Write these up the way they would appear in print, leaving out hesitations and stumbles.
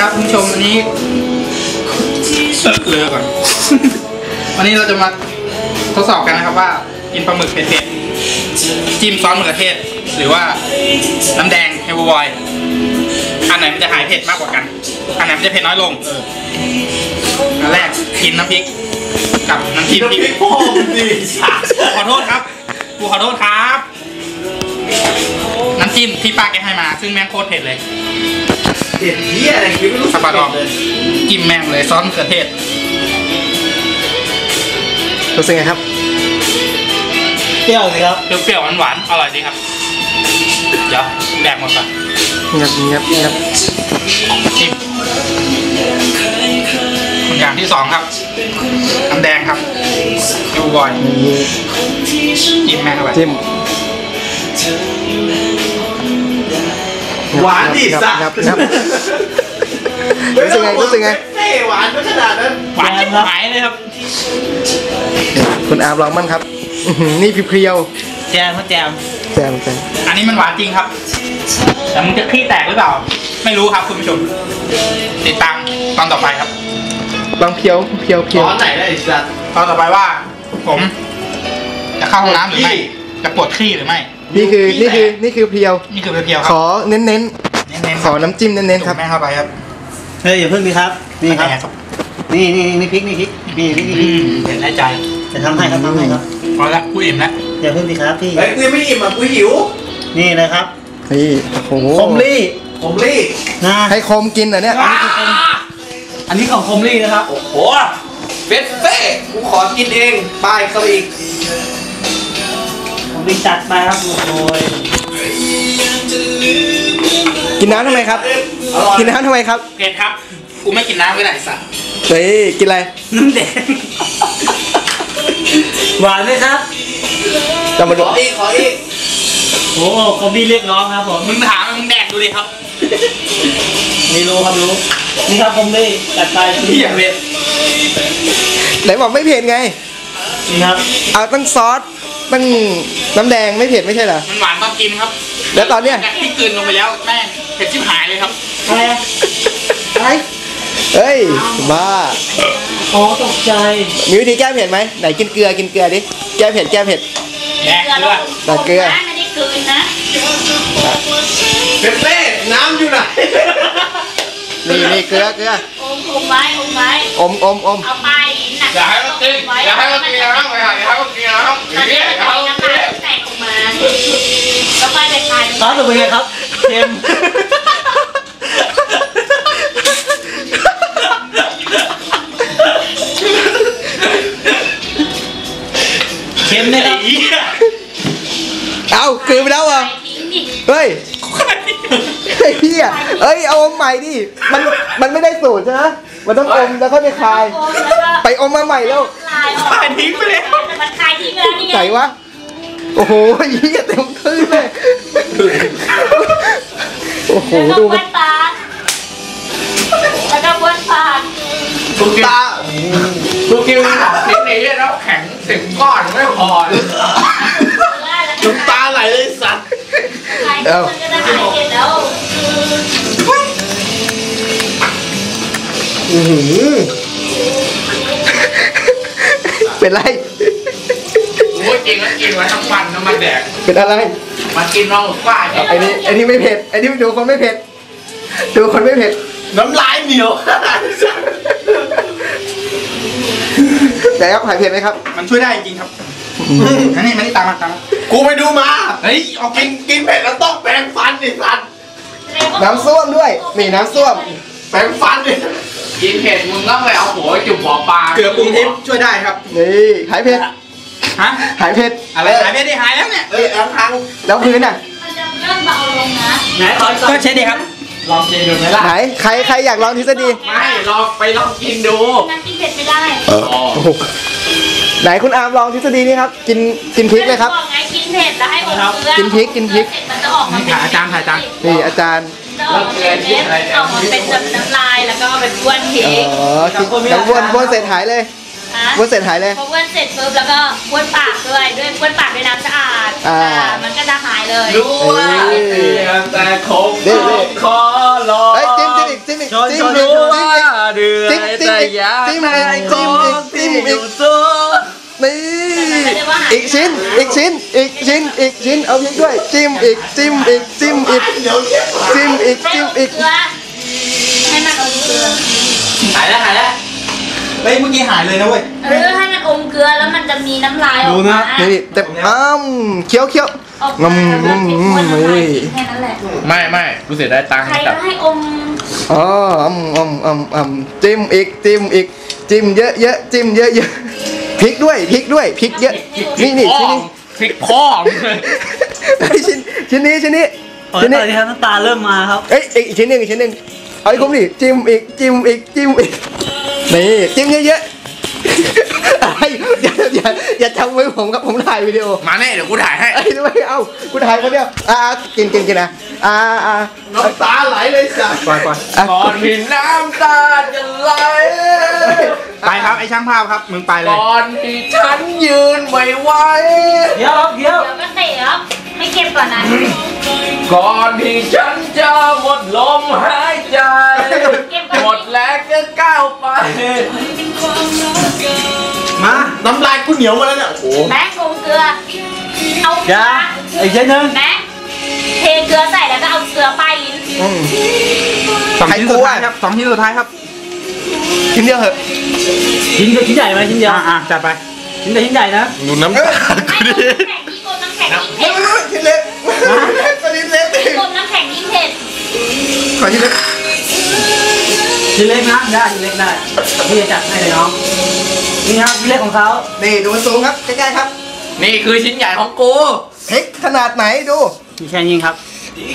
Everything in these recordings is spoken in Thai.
ครับคุณผู้ชมวันนี้เลือกก่อน วันนี้เราจะมาทดสอบกันนะครับว่ากินปลาหมึกเผ็ดๆจิ้มซอสมะเขือเทศหรือว่าน้ำแดงเฮลบอยอันไหนมันจะหายเผ็ดมากกว่ากันอันไหนมันจะเผ็ดน้อยลงอันแรกกินน้ำพริกกับน้ำจิ้มพริกขอโทษครับกูขอโทษครับน้ำจิ้มที่ป้าแกให้มาซึ่งแม่งโคตรเผ็ดเลยเผ็ดเหี้ยอะไรกินไม่รู้สับปะรดจิ้มแม่งเลยซอสมะเขือเทศรู้สึกไงครับเปรี้ยวสิครับเปรี้ยวๆหวานๆอร่อยดีครับเดี๋ยวแดกหมดก่อนงับจิ้มอย่างที่สองครับน้ำแดงครับดูบ่อยจิ้มแม่งเข้าไปจิ้มหวานดิสักรู้สึกไงหวานไม่ขนาดนั้นหวานจิ้มหายเลยครับคุณอาร์มลองมั่งครับนี่เพียวแจมครับแจมอันนี้มันหวานจริงครับแต่มึงจะขี้แตกหรือเปล่าไม่รู้ครับคุณผู้ชมติดตามตอนต่อไปครับลองเพียวตอนไหนได้อีกสักตอนต่อไปว่าผมจะเข้าห้องน้ำหรือไม่จะปวดขี้หรือไม่นี่คือเพียวขอเน้นขอน้ำจิ้มเน้นครับแม่เข้าไปครับเฮ้ยอย่าเพิ่งดิครับนี่ครับนี่พริกนี่เห็นในใจจะทำให้ครับพอละกูอิ่มแล้วอย่าเพิ่งดิครับพี่เฮ้ยกูไม่อิ่มอ่ะกูหิวนี่นะครับนี่โอ้โหคมลี่นะให้คมกินเหรอเนี่ยอันนี้ของคมลี่นะครับโอ้โหเฟ่กูขอกินเองไปเข้าอีกผมไปจัดไปครับโอ้ยกินน้ำทำไมครับกินน้ำทำไมครับเผ็ดครับกูไม่กินน้ำก็ได้สัตว์เฮ้ยกินอะไรน้ำแดงหวานไหมครับจะมาดูขออีกโอ้คอมบี้เรียกร้องครับผมมึงถามมึงแดกดูดิครับไม่รู้ครับรู้นี่ครับคอมบี้จัดไปที่อย่างเผ็ดไหนบอกไม่เผ็ดไงนี่ครับเอาตั้งซอสตั้งน้ำแดงไม่เผ็ดไม่ใช่เหรอมันหวานตอนกินครับแล้วตอนเนี้ยที่กลืนลงไปแล้วแม่เผ็ดชิบหายเลยครับอะไรเฮ้ยบ้าอ๋อตกใจมีวิธีแก้เผ็ดไหมไหนกินเกลือดิแก้เผ็ดแดกเกลือตัดเกลือไม่ได้กลืนนะเป้น้ำอยู่ไหนนี่เกลืออมไว้อมเอาไปหนักอย่าให้มันกินอย่าให้มันกินนะครับอย่าให้มันกินนะครับนี่อย่าให้มันกินแตกออกมาแล้วไปไปทานซอสเป็นไงครับเค็มนะครับเอาคืนไปแล้วอ่ะเฮ้ยเฮียเอาอมใหม่ดิมันไม่ได้สูตรใช่ไหมมันต้องอมแล้วก็ไปคายไปอมมาใหม่แล้วคายทิ้งไปแล้วมันคายทิ้งไปแล้วนี่ไงไหนวะโอ้โหเฮียเต็มทื่นเลยโอ้โหดูมันปากแล้วก็บ้วนปากกูกินทิ้งในเรื่องแล้วแข็งถึงก้อนไม่พอน้ำตาไหลเลยสัตว์มันจะได้หายเผ็ดแล้วเป็นไรโอ้ยกินแล้วกินไว้ทั้งวันน้ำมันแดกเป็นอะไรมากินน้องฝ้าไอ้นี่ไม่เผ็ดไอ้นี่ดูคนไม่เผ็ดน้ำลายเหนียวแต่ครับหายเผ็ดไหมครับมันช่วยได้จริงครับนี่ตามมากูไปดูมาเฮ้ยออกกินเผ็ดแล้วต้องแปรงฟันดิสัตว์น้ำส้วมด้วยนี่น้ำส้วมแปรงฟันดิกินเผ็ดมึงต้องไปเอาหัวจุ่มหัวปลาเกลือปรุงทิพย์ช่วยได้ครับนี่หายเผ็ดหายเผ็ดอะไรหายเผ็ดได้หายแล้วเนี่ยแล้วพื้นอ่ะมันจะเริ่มเบาลงนะไหนก็ใช่ดิครับลองกินดูไหมล่ะไหนใครอยากลองทฤษฎีไม่ลองกินดูนั่งกินเผ็ดไม่ได้ไหนคุณอาร์มลองทฤษฎีนี้ครับกินพริกเลยครับไงกินเผ็ดแล้วให้อมเกลือกินพริกมันจะออกมาถ่ายอาจารย์นี่อาจารย์ออกเป็นเม็ดออกมาเป็นน้ำลายแล้วก็เป็นบ้วนพริกแล้วบ้วนเสร็จหายเลยบ้วนเสร็จหายเลยพอบ้วนเสร็จปุ๊บแล้วก็บ้วนปากด้วยบ้วนปากด้วยน้ำสะอาดมันก็จะหายเลยด้วยแต่คงขอรอจิ้มอีกจิ้มอีกจิ้มอีกจิ้มอีกนี่อีกชิ้นอีกชิ้นอีกชิ้นอีกชิ้นเอาพริกด้วยจิ้มอีกจิ้มอีกจิ้มอีกจิ้มอีกจิ้มอีกให้มันอมเกลือหายแล้วเมื่อกี้หายเลยนะเว้ยให้มันอมเกลือแล้วมันจะมีน้ำลายออกมานี่เต็มเคี้ยวเคี้ยวออกมาแล้วเผ็ดข้นน้ำลายแค่นั้นแหละไม่รู้สึกได้ตังค์ใครกับก็ให้อมอ๋อจิ้มอีกจิ้มอีกจิ้มเยอะเยอะจิ้มเยอะเยอะพริกด้วยพริกด้วยพริกเยอะนี่ชิ้นนี้พริกพ่อชิ้นนี้ชิ้นนี้ตอนนี้ครับน้ำตาเริ่มมาครับเอ้ยอีกชิ้นหนึ่งอีกชิ้นหนึ่งเอาให้คุ้มดิจิ้มอีกจิ้มอีกจิ้มอีกนี่จิ้มเยอะๆอย่าทำไว้ผมครับผมถ่ายวิดีโอมาแน่เดี๋ยวกูถ่ายให้ไอ้ด้วยเอากูถ่ายคนเดียวกินนะน้ำตาไหลเลยจ้ะปล่อยก่อนที่น้ำตาจะไหลไปครับไอ้ช่างภาพครับมึงไปเลยก่อนที่ฉันยืนไม่ไหวเดี๋ยวเดี๋ยวก็เตะครับไม่เก็บก่อนนะก่อนที่ฉันจะหมดลมหายใจเก็บก่อนหมดแรงก็ก้าวไปมาน้ำลายกูเหนียวมาแล้วเนี่ยโอ้โหแบงค์อมเกลือเอาเกลือย่าอีกชิ้นหนึ่งแบงค์เทเกลือใส่แล้วก็เอาเกลือป้ายลิ้นสองชิ้นสุดท้ายครับ2 ชิ้นสุดท้ายครับชิ้นเดียวเหอะชิ้นใหญ่ไหมชิ้นเดียวจัดไปชิ้นใหญ่นะดูน้ำไม่กลมน้ำแข็งยิ่งกลมน้ำแข็งยิ่งเผ็ดชิ้นเล็กชิ้นเล็กยิ่งกลมน้ำแข็งยิ่งเผ็ดขอชิ้นเล็กชิ้นเล็กนะได้ชิ้นเล็กได้พี่จะจัดให้เลยน้องนี่ครับชิ้นเล็กของเขานี่ดูสูงครับใกล้ๆครับนี่คือชิ้นใหญ่ของกูพริกขนาดไหนดูมีแค่นี้ครับ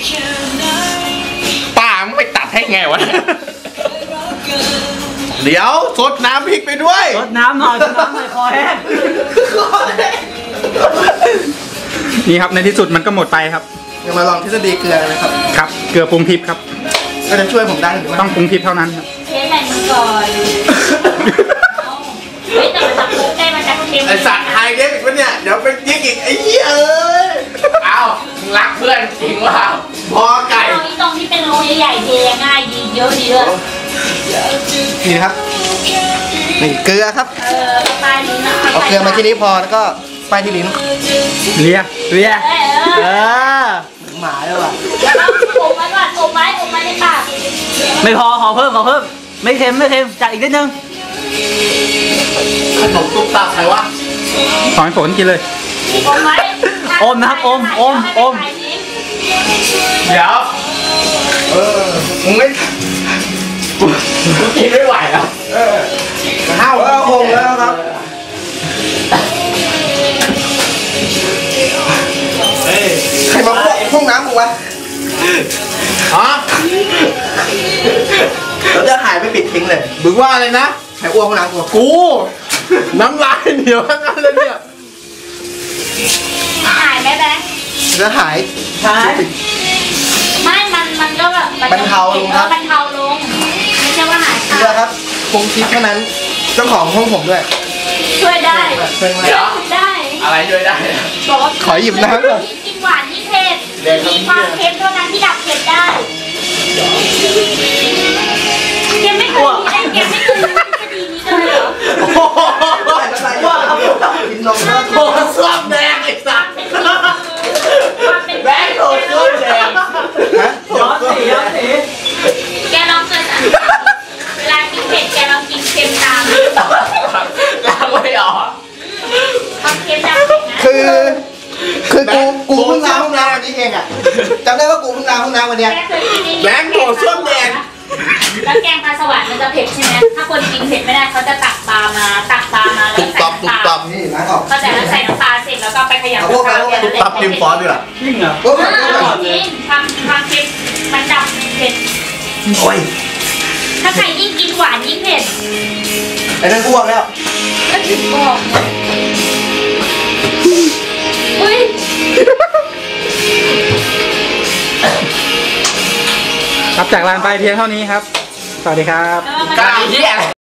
ป้ามึงไปตัดให้ไงวะเดี๋ยวสดน้ำพริกไปด้วยรดน้ำหน่อยคอแห้งนี่ครับในที่สุดมันก็หมดไปครับเดี๋ยวมาลองทฤษฎีเกลือนะครับครับ เกลือปรุงทิพย์ครับก็จะช่วยผมได้หรือไม่ต้องปรุงทิพย์เท่านั้นครับเทใส่มือก่อนเอาเฮ้ยแต่มันจะคลุกได้มันจะเค็มไอสัตว์ไฮเล็กอีกวะเนี่ยเดี๋ยวเป็นยิงอีกไอ้เหี้ยเอ้ยเอารักเพื่อนจริงว่าพอไก่ตรงที่เป็นรูใหญ่ๆเทง่ายดีเยอะดีเลยนี่ครับนี่เกลือครับปลายลิ้นนะเอาเกลือมาที่นี้พอแล้วก็ป้ายที่ลิ้นเลียหมาด้วยว่ะแล้วก็อมไว้ก่อนอมไว้ในปากไม่พอขอเพิ่มไม่เค็มจัดอีกนิดนึงขนมตุ๊กตาใครวะขอให้ฝนกินเลยอมไว้อมนะครับอม เดี๋ยวมึงไม่กูกินไม่ไหวแล้วห้าวคงแล้วครับใครมาพวกน้ำกูวะฮะเราจะหายไปปิดทิ้งเลยมึงว่าอะไรนะใครอ้วกห้องน้ำกูกูน้ำลายเหนียวทั้งนั้นเลยเนี่ยหายไหมแบงค์จะหายไม่มันก็แบบบรรเทาลงครับบรรเทาลงไม่ใช่ว่าหายเกลือครับคงทิพย์เท่านั้นเจ้าของห้องผมด้วยช่วยได้ช่วยไหมได้อะไรช่วยได้บอกว่าขอหยิบน้ำก่อนยิ่งกินหวานยิ่งเผ็ดมีความเค็มเท่านั้นที่ดับเผ็ดได้เค็มไม่เคยมีได้เค็มไม่เคยมีคดีนี้เลยเหรอว่ากินนมแล้วโอ้ส้วมแดงไอ้สัตว์แบงค์โดนส้วมแดงย้อนสีแกลองเกิดเวลากินเผ็ดแกลองกินเค็มตามล้างไม่ออกความเค็มดับเผ็ดนะคือกูเพิ่งล้างห้องน้ำวันนี้เองอ่ะจำได้ว่ากูเพิ่งล้างห้องน้ำวันเนี้ยแกเคยกินนี่แบงค์โดนส้วมแดงแล้วแกงปลาสวรรค์มันจะเผ็ดใช่ไหมถ้าคนกินเผ็ดไม่ได้เขาจะตักปลามาแล้วใส่น้ำตาลนี่ล้างออกก็แต่ใส่น้ำตาลเสร็จแล้วก็ไปขยำเอาพวกไปตุ๊บตับจิ้มซอสดีกว่าจริงเหรอจริงความเค็มมันดับเผ็ดโอ้ยถ้าใครยิ่งกินหวานยิ่งเผ็ดไอ้นั่นอ้วกแล้วก็ถึงบอกอุ้ยครับจากลานไปเพียงเท่านี้ครับ สวัสดีครับการเหี้ย